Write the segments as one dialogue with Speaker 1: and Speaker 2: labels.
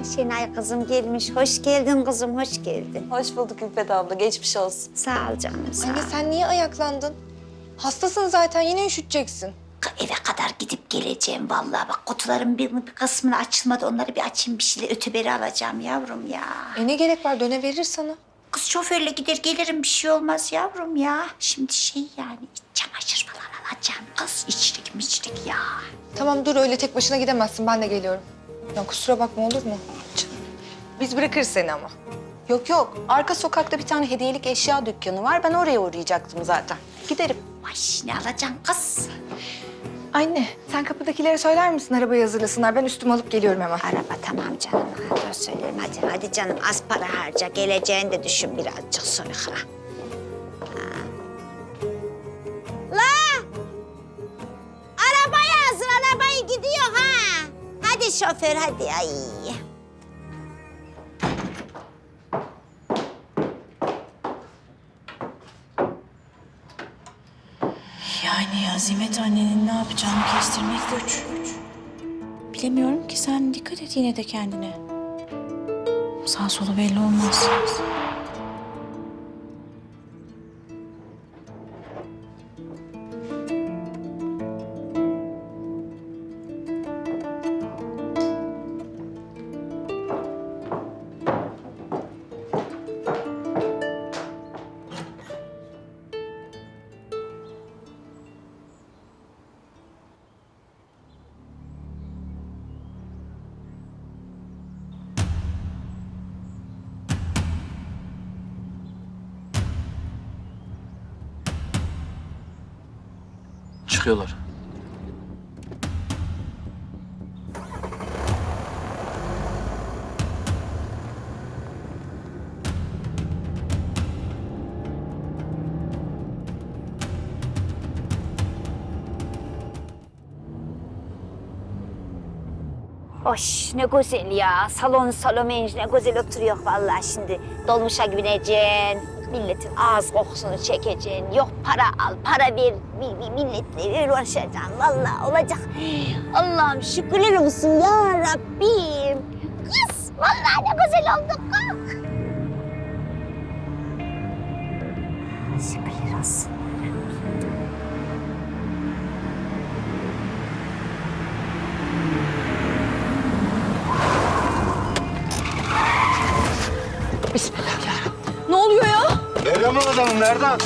Speaker 1: Şenay kızım gelmiş. Hoş geldin kızım, hoş geldin.
Speaker 2: Hoş bulduk İpek abla. Geçmiş olsun.
Speaker 1: Sağ ol canım, sağ ol.
Speaker 3: Anne sen niye ayaklandın? Hastasın zaten, yine üşüteceksin.
Speaker 1: Eve kadar gidip geleceğim vallahi. Bak kutuların bir kısmını açılmadı. Onları bir açayım, bir şeyler öteberi alacağım yavrum ya.
Speaker 3: Ne gerek var, döneverir sana.
Speaker 1: Kız şoförle gider gelirim, bir şey olmaz yavrum ya. Şimdi yani iç çamaşır falan alacağım. Kız içlik ya.
Speaker 3: Tamam dur, öyle tek başına gidemezsin, ben de geliyorum. Ya kusura bakma, olur mu? Biz bırakırız seni ama.
Speaker 2: Yok. Arka sokakta bir tane hediyelik eşya dükkanı var. Ben oraya uğrayacaktım zaten. Giderim.
Speaker 1: Ay ne alacaksın kız?
Speaker 3: Anne, sen kapıdakilere söyler misin arabayı hazırlasınlar? Ben üstümü alıp geliyorum hemen.
Speaker 1: Araba tamam canım. Dur söylerim hadi canım. Az para harca. Geleceğini de düşün birazcık sonra. La! Arabayı hazır, arabayı gidiyor ha. Hadi şoför hadi ay.
Speaker 4: Yani Azimet annenin ne yapacağını kestirmek güç. Bilemiyorum ki, sen dikkat et yine de kendine. Sağ solu belli olmaz.
Speaker 5: Çıkıyorlar.
Speaker 1: Hoş ne güzel ya. Salon ne güzel oturuyor vallahi şimdi. Dolmuşa bineceksin. Milletin ağız kokusunu çekeceksin. Yok para al, para ver. Milletle uğraşacaksın. Vallahi olacak. Allah'ım şükürler olsun ya Rabbim. Kız vallahi ne güzel olduk. Kalk. Şükürler olsun.
Speaker 3: Ne oluyor ya?
Speaker 6: Nereden bu adamın, nereden?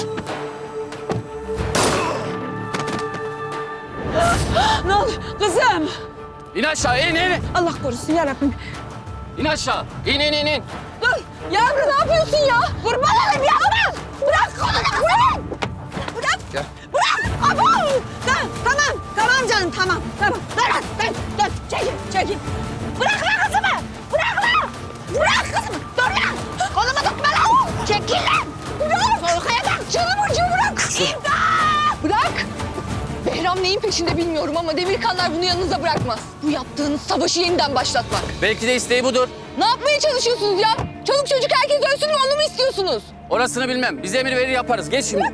Speaker 7: Ne oluyor? Kızım!
Speaker 5: İn aşağı, in.
Speaker 7: Allah korusun yarabbim.
Speaker 5: İn aşağı. İn.
Speaker 7: Dur! Yavrum ne yapıyorsun ya? Kurban olayım yavrum! Bırak kolunu bırak! Bırak!
Speaker 6: Gel.
Speaker 7: Bırak! Abo! Tamam canım tamam. Dur çekil. Bırak lan kızımı! Bırak kızımı! Dur lan! Kolumu tutma lan! Çekil lan! Bırak! Korkaya bak! Canım ucu bırak! İmdat!
Speaker 3: Bırak! Behram neyin peşinde bilmiyorum ama Demirkanlar bunu yanınıza bırakmaz. Bu yaptığınız savaşı yeniden başlatmak.
Speaker 5: Belki de isteği budur.
Speaker 3: Ne yapmaya çalışıyorsunuz ya? Çoluk çocuk herkes ölsün mü, onu mu istiyorsunuz?
Speaker 5: Orasını bilmem. Biz emir verir yaparız. Geç şimdi.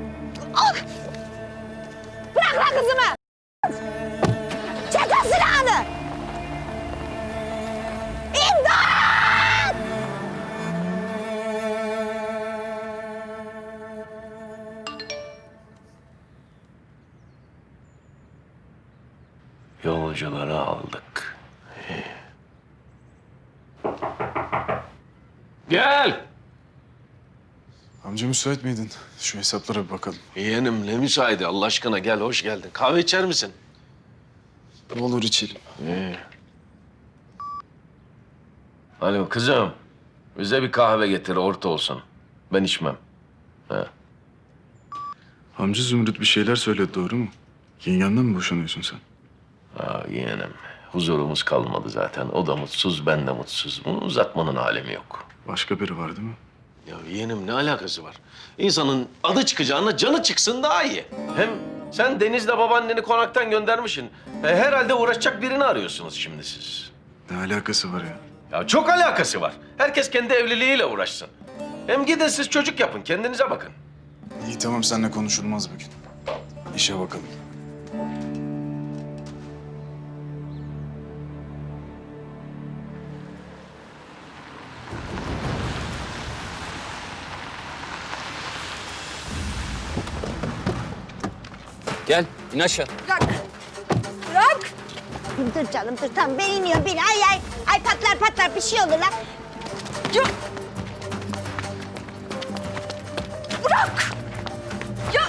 Speaker 7: Bırak lan kızımı! Çek o silahını! İmdat!
Speaker 6: Yolcuları aldık. Gel!
Speaker 8: Amca müsait miydin? Şu hesaplara bir bakalım.
Speaker 6: Yeğenim ne müsaade Allah aşkına gel hoş geldin. Kahve içer misin?
Speaker 8: Ne olur içelim.
Speaker 6: Alo kızım. Bize bir kahve getir orta olsun. Ben içmem.
Speaker 8: Amca Zümrüt bir şeyler söyledi, doğru mu? Yengenden mi boşanıyorsun sen?
Speaker 6: Yeğenim huzurumuz kalmadı zaten. O da mutsuz ben de mutsuz. Bunu uzatmanın alemi yok.
Speaker 8: Başka biri var değil mi?
Speaker 6: Ya yeğenim ne alakası var? İnsanın adı çıkacağına canı çıksın daha iyi. Hem sen Deniz'le babaanneni konaktan göndermişsin. Herhalde uğraşacak birini arıyorsunuz şimdi siz.
Speaker 8: Ne alakası var ya?
Speaker 6: Ya çok alakası var. Herkes kendi evliliğiyle uğraşsın. Hem gidin siz çocuk yapın, kendinize bakın.
Speaker 8: İyi tamam, seninle konuşulmaz bugün. İşe bakalım.
Speaker 5: Gel, in aşağı.
Speaker 7: Bırak. Bırak.
Speaker 1: Dur canım dur tamam ben iniyorum bin. Ay. Ay patlar bir şey olur lan.
Speaker 7: Yok. Bırak. Ya.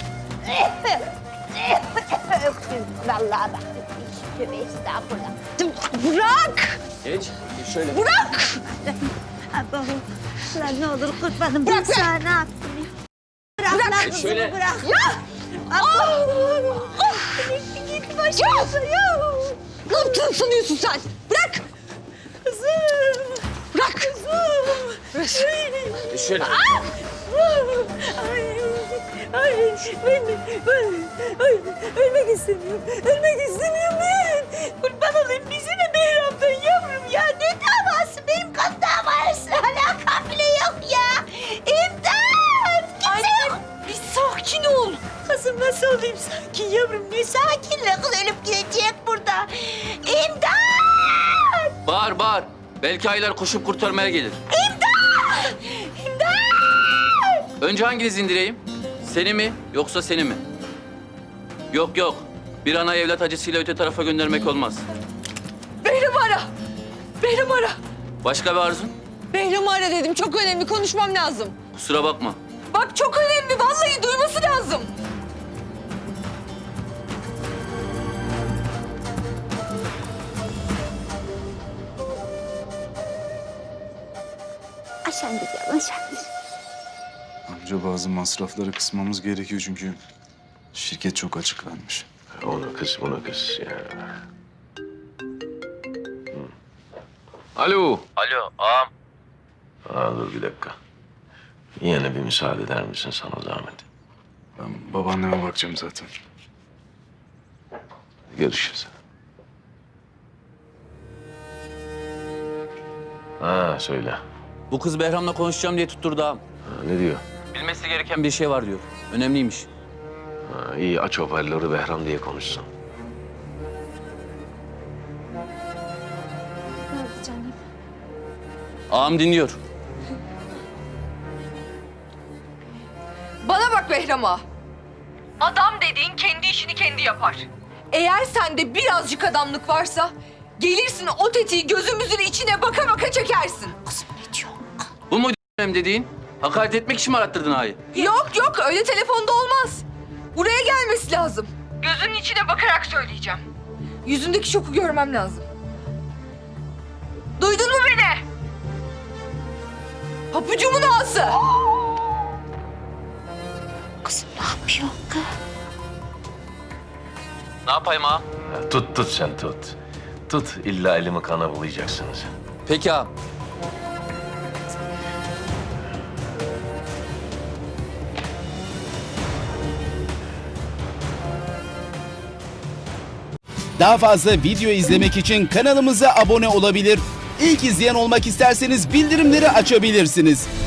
Speaker 1: Vallahi bak. Tövbe estağfurullah.
Speaker 7: Bırak.
Speaker 5: Geç, şöyle.
Speaker 7: Bırak.
Speaker 1: Allah'ım. Lan ne olur kurbanım.
Speaker 7: Bırak
Speaker 1: Ben sana ne yaptım ya? Bırak lan kızımı
Speaker 5: şöyle.
Speaker 1: bırak.
Speaker 7: Ya.
Speaker 1: Allah'ım. Git başımıza ya.
Speaker 7: Ne yaptığını sanıyorsun sen? Bırak.
Speaker 1: Kızım.
Speaker 7: Bırak. Kızım.
Speaker 5: Şöyle.
Speaker 1: Ay, ben ölmek istemiyorum. Ölmek istemiyorum ben. Kurban olayım bizi de Behram'dan yavrum ya. Ne davası? Benim kan davası. Alakam bile yok ya. İmdat! Kimse yok.
Speaker 7: Bir sakin ol.
Speaker 1: Kızım nasıl olayım sakin yavrum? Ne sakinle kız ölüp gidecek burada. İmdat!
Speaker 5: Bağır, bağır. Belki aylar koşup kurtarmaya gelir.
Speaker 1: İmdat!
Speaker 5: Önce hanginizi indireyim? Seni mi yoksa seni mi? Yok yok. Bir ana evlat acısıyla öte tarafa göndermek olmaz.
Speaker 7: Behram'ı ara. Behram'ı ara.
Speaker 5: Başka bir arzun?
Speaker 7: Behram'ı ara dedim. Çok önemli. Konuşmam lazım.
Speaker 5: Kusura bakma.
Speaker 7: Bak çok önemli. Vallahi duyması lazım.
Speaker 1: Aşağı gidiyorum aşağı.
Speaker 8: Amca bazı masrafları kısmamız gerekiyor çünkü şirket çok açık vermiş.
Speaker 6: Onu kız, bunu kız ya. Alo.
Speaker 5: Alo ağam.
Speaker 6: Dur bir dakika. Yine bir müsaade eder misin sana zahmet?
Speaker 8: Ben babaanneme bakacağım zaten.
Speaker 6: Görüşürüz. Söyle.
Speaker 5: Bu kız Behram'la konuşacağım diye tutturdu ağam.
Speaker 6: Ne diyor?
Speaker 5: Bilmesi gereken bir şey var diyor. Önemliymiş.
Speaker 6: İyi aç hoparlörü Behram diye konuşsun.
Speaker 5: Ağam dinliyor.
Speaker 7: Bana bak Behram'a. Adam dediğin kendi işini kendi yapar. Eğer sende birazcık adamlık varsa gelirsin o tetiği gözümüzün içine baka baka çekersin.
Speaker 5: Bu mu dediğin? Hakaret etmek için mi arattırdın ağayı?
Speaker 7: Yok öyle telefonda olmaz. Buraya gelmesi lazım. Gözünün içine bakarak söyleyeceğim. Yüzündeki şoku görmem lazım. Duydun mu beni? Papucumun ağası.
Speaker 1: Kızım ne yapıyorsun kız?
Speaker 5: Ne yapayım ağam?
Speaker 6: Tut sen tut. Tut illa elimi kana bulayacaksınız.
Speaker 5: Peki ağam.
Speaker 9: Daha fazla video izlemek için kanalımıza abone olabilir. İlk izleyen olmak isterseniz bildirimleri açabilirsiniz.